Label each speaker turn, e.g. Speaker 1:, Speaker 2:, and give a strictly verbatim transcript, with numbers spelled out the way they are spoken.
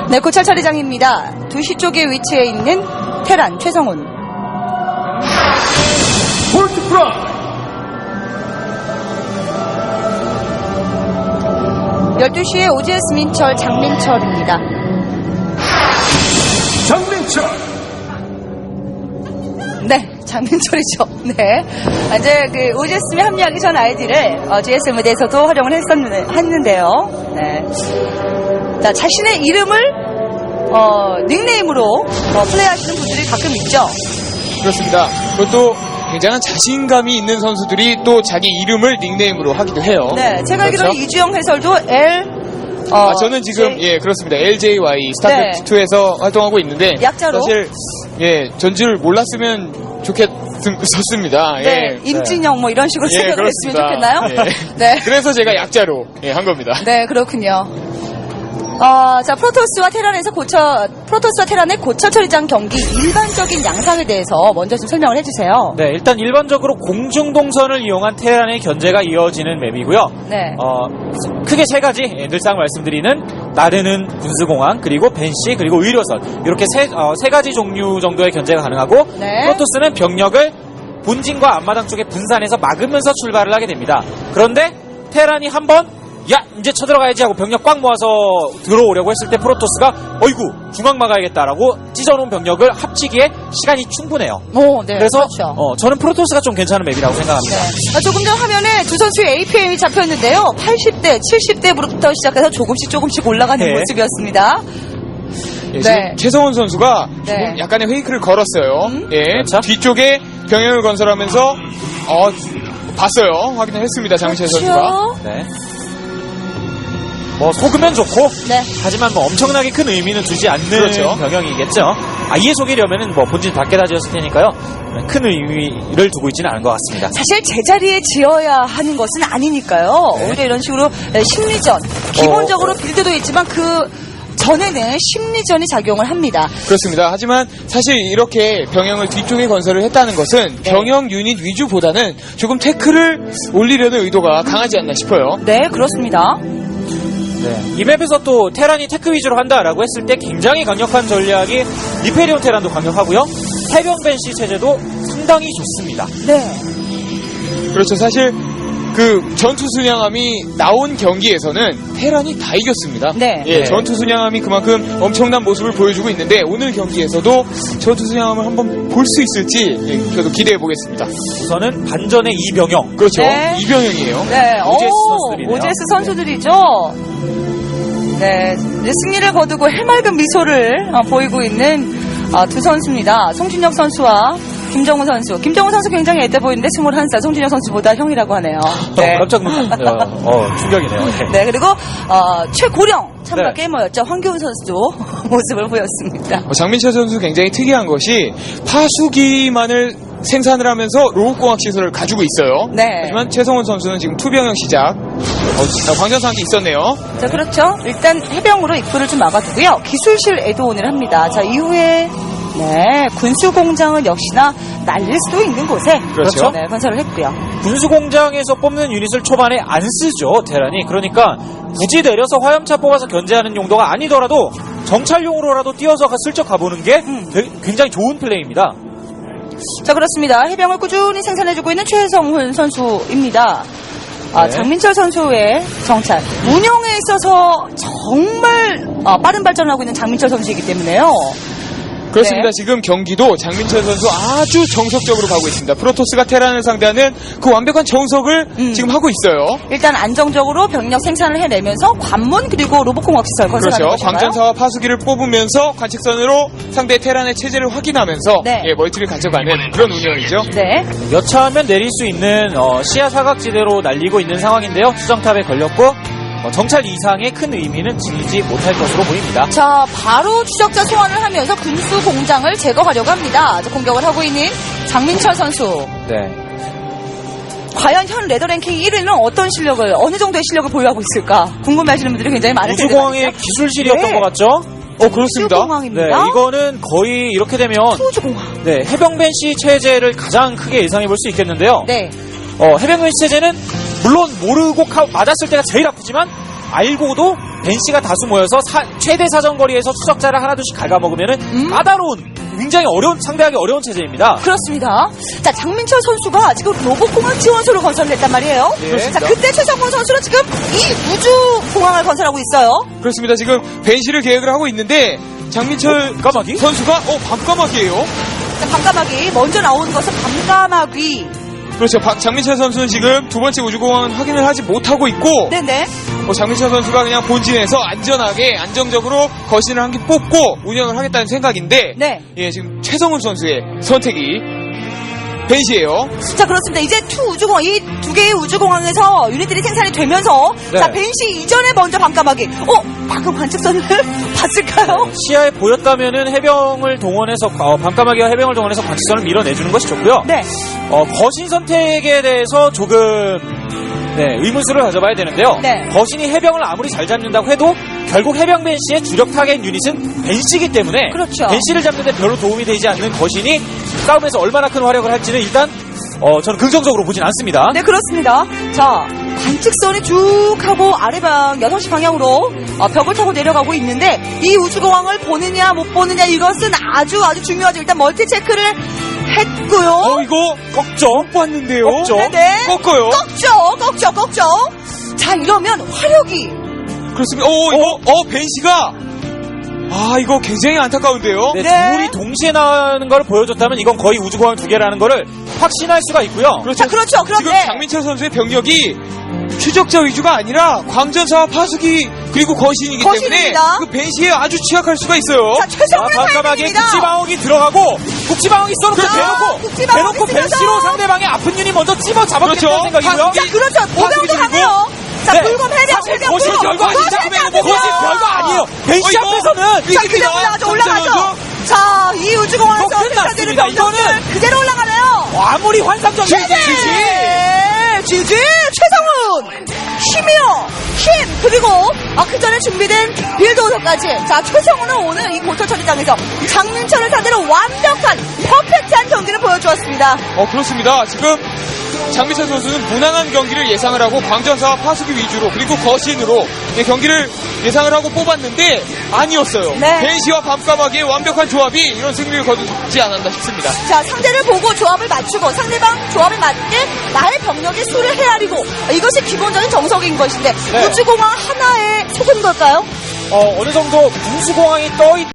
Speaker 1: 네, 고찰 처리장입니다. 두 시 쪽에 위치해 있는 테란 최성훈.
Speaker 2: 볼트 프라
Speaker 1: 열두 시에 오지에스 민철 장민철입니다.
Speaker 2: 장민철
Speaker 1: 네, 장민철이죠. 네. 이제 그 오지에스에 합류하기 전 아이디를 어, 지에스엠 무대에서도 활용을 했었는, 했는데요. 네. 자, 자신의 이름을 어, 닉네임으로 어, 플레이하시는 분들이 가끔 있죠.
Speaker 3: 그렇습니다. 그것도 굉장한 자신감이 있는 선수들이 또 자기 이름을 닉네임으로 하기도 해요.
Speaker 1: 네, 제가
Speaker 3: 그렇죠?
Speaker 1: 알기로는 이주영 해설도 L 어,
Speaker 3: 아, 저는 지금
Speaker 1: J...
Speaker 3: 예 그렇습니다. 엘제이와이 스타크래프트이에서 네. 활동하고 있는데
Speaker 1: 약자로
Speaker 3: 사실 예 전지를 몰랐으면 좋겠었습니다.
Speaker 1: 네,
Speaker 3: 예.
Speaker 1: 임진영 뭐 이런 식으로
Speaker 3: 예,
Speaker 1: 생각을 했으면 좋겠나요?
Speaker 3: 예.
Speaker 1: 네.
Speaker 3: 그래서 제가 약자로 예, 한 겁니다.
Speaker 1: 네, 그렇군요. 어, 자, 프로토스와 테란에서 고쳐, 프로토스와 테란의 고철 처리장 경기 일반적인 양상에 대해서 먼저 좀 설명을 해주세요.
Speaker 4: 네, 일단 일반적으로 공중동선을 이용한 테란의 견제가 이어지는 맵이고요.
Speaker 1: 네.
Speaker 4: 어, 크게 세 가지, 예, 늘상 말씀드리는 나르는 군수공항, 그리고 벤시, 그리고 의료선. 이렇게 세, 어, 세 가지 종류 정도의 견제가 가능하고,
Speaker 1: 네.
Speaker 4: 프로토스는 병력을 본진과 앞마당 쪽에 분산해서 막으면서 출발을 하게 됩니다. 그런데 테란이 한번 야 이제 쳐들어가야지 하고 병력 꽉 모아서 들어오려고 했을 때 프로토스가 어이구 중앙 막아야겠다라고 찢어놓은 병력을 합치기에 시간이 충분해요.
Speaker 1: 오, 네.
Speaker 4: 그래서
Speaker 1: 그렇죠.
Speaker 4: 어, 저는 프로토스가 좀 괜찮은 맵이라고 생각합니다.
Speaker 1: 네. 아, 조금 전 화면에 두 선수의 에이피엠이 잡혔는데요. 팔십 대, 칠십 대부터 시작해서 조금씩 조금씩 올라가는
Speaker 4: 네.
Speaker 1: 모습이었습니다.
Speaker 3: 예,
Speaker 1: 네.
Speaker 3: 지금 최성훈 선수가
Speaker 1: 네.
Speaker 3: 조금 약간의 페이크를 걸었어요.
Speaker 1: 음?
Speaker 3: 예,
Speaker 4: 그렇죠?
Speaker 3: 뒤쪽에 병영을 건설하면서 어, 봤어요. 확인을 했습니다. 장민철 선수가.
Speaker 1: 그렇죠.
Speaker 4: 네. 뭐 속으면 좋고
Speaker 1: 네.
Speaker 4: 하지만 뭐 엄청나게 큰 의미는 두지 않는
Speaker 3: 그렇죠.
Speaker 4: 병영이겠죠. 아예 속이려면은 뭐 본진 밖에 다 지었을 테니까요. 큰 의미를 두고 있지는 않은 것 같습니다.
Speaker 1: 사실 제자리에 지어야 하는 것은 아니니까요.
Speaker 4: 네.
Speaker 1: 오히려 이런 식으로 심리전, 기본적으로 빌드도 있지만 그 전에는 심리전이 작용을 합니다.
Speaker 3: 그렇습니다. 하지만 사실 이렇게 병영을 뒤쪽에 건설을 했다는 것은
Speaker 1: 네.
Speaker 3: 병영 유닛 위주보다는 조금 태클을 올리려는 의도가 강하지 않나 싶어요.
Speaker 1: 네, 그렇습니다.
Speaker 4: 네. 이 맵에서 또 테란이 테크 위주로 한다라고 했을 때 굉장히 강력한 전략이 리페리온 테란도 강력하고요. 해병 벤시 체제도 상당히 좋습니다.
Speaker 1: 네.
Speaker 3: 그렇죠. 사실 그 전투 순양함이 나온 경기에서는 테란이 다 이겼습니다.
Speaker 1: 네.
Speaker 3: 예,
Speaker 4: 네.
Speaker 3: 전투 순양함이 그만큼 엄청난 모습을 보여주고 있는데 오늘 경기에서도 전투 순양함을 한번 볼 수 있을지 예, 저도 기대해 보겠습니다.
Speaker 4: 우선은 반전의 이병영.
Speaker 3: 그렇죠.
Speaker 1: 네.
Speaker 3: 이병영이에요.
Speaker 1: 네,
Speaker 4: 오제스
Speaker 1: 오,
Speaker 4: 선수들이네요.
Speaker 1: 오제스 선수들이죠. 네, 이제 승리를 거두고 해맑은 미소를 어, 보이고 있는 어, 두 선수입니다. 송준혁 선수와 김정우 선수. 김정우 선수 굉장히 애돼 보이는데 스물한 살, 송준혁 선수보다 형이라고 하네요. 네.
Speaker 4: 어, 깜짝 놀랐어요. 어, 충격이네요. 네.
Speaker 1: 네, 그리고 어, 최고령 참가
Speaker 4: 네.
Speaker 1: 게이머였죠. 황교훈 선수도 모습을 보였습니다.
Speaker 3: 어, 장민철 선수 굉장히 특이한 것이 파수기만을 생산을 하면서 로봇공학 시설을 가지고 있어요.
Speaker 1: 네.
Speaker 3: 하지만 최성훈 선수는 지금 투병형 시작. 어, 광전사한테 있었네요.
Speaker 1: 자, 그렇죠. 일단 해병으로 입구를 좀 막아두고요. 기술실 애도온을 합니다. 자, 이후에 네, 군수공장은 역시나 날릴 수도 있는 곳에
Speaker 3: 그렇죠.
Speaker 1: 네, 건설을 했고요.
Speaker 4: 군수공장에서 뽑는 유닛을 초반에 안 쓰죠, 테란이. 그러니까 굳이 내려서 화염차 뽑아서 견제하는 용도가 아니더라도 정찰용으로라도 뛰어서 슬쩍 가보는 게
Speaker 1: 음.
Speaker 4: 되게 굉장히 좋은 플레이입니다.
Speaker 1: 자, 그렇습니다. 해병을 꾸준히 생산해주고 있는 최성훈 선수입니다. 아,
Speaker 4: 네.
Speaker 1: 장민철 선수의 정찰. 운영에 있어서 정말 아, 빠른 발전을 하고 있는 장민철 선수이기 때문에요.
Speaker 3: 그렇습니다.
Speaker 1: 네.
Speaker 3: 지금 경기도 장민철 선수 아주 정석적으로 가고 있습니다. 프로토스가 테란을 상대하는 그 완벽한 정석을
Speaker 1: 음.
Speaker 3: 지금 하고 있어요.
Speaker 1: 일단 안정적으로 병력 생산을 해내면서 관문 그리고 로봇공학 시설 건설하는
Speaker 3: 그렇죠.
Speaker 1: 것인가요?
Speaker 3: 광전사와 파수기를 뽑으면서 관측선으로 상대 테란의 체제를 확인하면서
Speaker 1: 네.
Speaker 3: 예, 멀티를 가져가는 그런 운영이죠.
Speaker 1: 네.
Speaker 4: 여차하면 내릴 수 있는 어, 시야 사각지대로 날리고 있는 상황인데요. 수정탑에 걸렸고 어, 정찰 이상의 큰 의미는 지니지 못할 것으로 보입니다.
Speaker 1: 자, 바로 추적자 소환을 하면서 군수 공장을 제거하려고 합니다. 자, 공격을 하고 있는 장민철 선수.
Speaker 4: 네.
Speaker 1: 과연 현 레더랭킹 일 위는 어떤 실력을, 어느 정도의 실력을 보유하고 있을까? 궁금해하시는 분들이 굉장히 많을 텐데.
Speaker 4: 우주공항의 기술실이었던
Speaker 1: 네.
Speaker 4: 것 같죠?
Speaker 3: 어, 그렇습니다.
Speaker 4: 네,
Speaker 1: 우주공항입니다.
Speaker 4: 이거는 거의 이렇게 되면
Speaker 1: 우주공항.
Speaker 4: 네, 해병벤시 체제를 가장 크게 예상해 볼 수 있겠는데요.
Speaker 1: 네.
Speaker 4: 어, 해병벤시 체제는 물론 모르고 카, 맞았을 때가 제일 아프지만 알고도 벤시가 다수 모여서 사- 최대 사정거리에서 추적자를 하나둘씩 갉아먹으면은
Speaker 1: 음?
Speaker 4: 까다로운 굉장히 어려운 상대하기 어려운 체제입니다.
Speaker 1: 그렇습니다. 자, 장민철 선수가 지금 로봇공항 지원소를 건설했단 말이에요.
Speaker 4: 네.
Speaker 1: 자, 그때 최성훈 선수는 지금 이 우주공항을 건설하고 있어요.
Speaker 3: 그렇습니다. 지금 벤시를 계획을 하고 있는데 장민철
Speaker 4: 밤까마귀?
Speaker 3: 선수가 어 밤까마귀예요.
Speaker 1: 자, 밤까마귀 먼저 나오는 것은 밤까마귀.
Speaker 3: 그렇죠. 박- 장민철 선수는 지금 두 번째 우주공항 확인을 하지 못하고 있고
Speaker 1: 네네.
Speaker 3: 뭐 장민철 선수가 그냥 본진에서 안전하게 안정적으로 거신을 한 개 뽑고 운영을 하겠다는 생각인데
Speaker 1: 네.
Speaker 3: 예, 지금 최성훈 선수의 선택이 벤시예요.
Speaker 1: 자, 그렇습니다. 이제 투 우주공항, 이 두 개의 우주공항에서 유닛들이 생산이 되면서
Speaker 4: 네.
Speaker 1: 자, 벤시 이전에 먼저 밤까마귀. 어? 방금 관측선을 봤을까요?
Speaker 4: 시야에 보였다면은 해병을 동원해서 어, 밤까마귀와 해병을 동원해서 관측선을 밀어내주는 것이 좋고요.
Speaker 1: 네.
Speaker 4: 어, 거신 선택에 대해서 조금 네, 의문수를 가져봐야 되는데요.
Speaker 1: 네.
Speaker 4: 거신이 해병을 아무리 잘 잡는다고 해도 결국 해병 벤시의 주력 타겟 유닛은 벤시이기 때문에
Speaker 1: 그렇죠.
Speaker 4: 벤시를 잡는 데 별로 도움이 되지 않는 거신이 싸움에서 얼마나 큰 활약을 할지는 일단 어, 저는 긍정적으로 보진 않습니다.
Speaker 1: 네, 그렇습니다. 자, 관측선이 쭉 하고 아래방 여섯 시 방향으로 어, 벽을 타고 내려가고 있는데 이 우주공항을 보느냐 못 보느냐 이것은 아주 아주 중요하죠. 일단 멀티 체크를 했고요.
Speaker 3: 어 이거
Speaker 4: 꺾죠.
Speaker 3: 못 봤는데요.
Speaker 4: 꺾죠.
Speaker 1: 네네.
Speaker 3: 꺾어요.
Speaker 1: 꺾죠, 꺾죠, 꺾죠. 자, 이러면 화력이
Speaker 3: 그렇습니다. 오 이거 어 벤시가 아 이거 굉장히 안타까운데요.
Speaker 4: 네,
Speaker 1: 네.
Speaker 4: 둘이 동시에 나오는 걸 보여줬다면 이건 거의 우주공항 두 개라는 거를 확신할 수가 있고요.
Speaker 3: 그렇죠.
Speaker 1: 자, 그렇죠.
Speaker 3: 지금
Speaker 1: 그런데
Speaker 3: 장민철 선수의 병력이 추적자 위주가 아니라 광전사와 파수기 그리고 거신이기
Speaker 1: 거신입니다.
Speaker 3: 때문에 그 벤시에 아주 취약할 수가 있어요.
Speaker 1: 자, 최성훈의
Speaker 4: 밤까마귀에
Speaker 1: 타이밍입니다.
Speaker 4: 국지방어기 들어가고 국지방어기 써놓고
Speaker 1: 그렇죠.
Speaker 4: 대놓고
Speaker 1: 국지방어기
Speaker 4: 대놓고
Speaker 1: 쓰면서.
Speaker 4: 벤시로 상대방의 아픈 유닛 먼저 찝어 잡았겠다는
Speaker 3: 그렇죠.
Speaker 4: 생각이고요.
Speaker 1: 자, 그렇죠. 모병도
Speaker 3: 파수기
Speaker 1: 가네요. 자,
Speaker 4: 네.
Speaker 1: 불검 해병,
Speaker 4: 사실
Speaker 1: 해병,
Speaker 4: 거신
Speaker 1: 불검.
Speaker 4: 별거 아니죠.
Speaker 1: 거신
Speaker 4: 그러면
Speaker 1: 안
Speaker 4: 뭐 거신
Speaker 1: 됩니다.
Speaker 4: 별거 아니에요. 벤시
Speaker 3: 어, 이거
Speaker 4: 앞에서는
Speaker 1: 자, 그냥
Speaker 3: 이깁니다.
Speaker 1: 올라가죠,
Speaker 3: 장민철
Speaker 1: 올라가죠.
Speaker 3: 선수.
Speaker 1: 자, 이 우주공항에서
Speaker 4: 이거 끝났습니다.
Speaker 1: 생산되는
Speaker 4: 이거는-
Speaker 1: 병력들 그대로 올라가네요.
Speaker 4: 아무리 환상적인
Speaker 1: 네, 지지 최성훈 힘이요 힘 그리고 아, 그 전에 준비된 빌드오더까지. 자, 최성훈은 오늘 이 고철 처리장에서 장민철을 상대로 완벽한 퍼펙트한 경기를 보여주었습니다.
Speaker 3: 어 그렇습니다. 지금 장민철 선수는 무난한 경기를 예상을 하고 광전사와 파수기 위주로 그리고 거신으로 이 경기를 예상을 하고 뽑았는데 아니었어요.
Speaker 1: 네.
Speaker 3: 벤시와 밤까마귀의 완벽한 조합이 이런 승리를 거두지 않았나 싶습니다.
Speaker 1: 자, 상대를 보고 조합을 맞추고 상대방 조합에 맞게 나의 병력의 수를 헤아리고 이것이 기본적인 정석인 것인데
Speaker 4: 네.
Speaker 1: 우주공항 하나에 속은 걸까요?
Speaker 4: 어, 어느 정도 분수공항이 떠있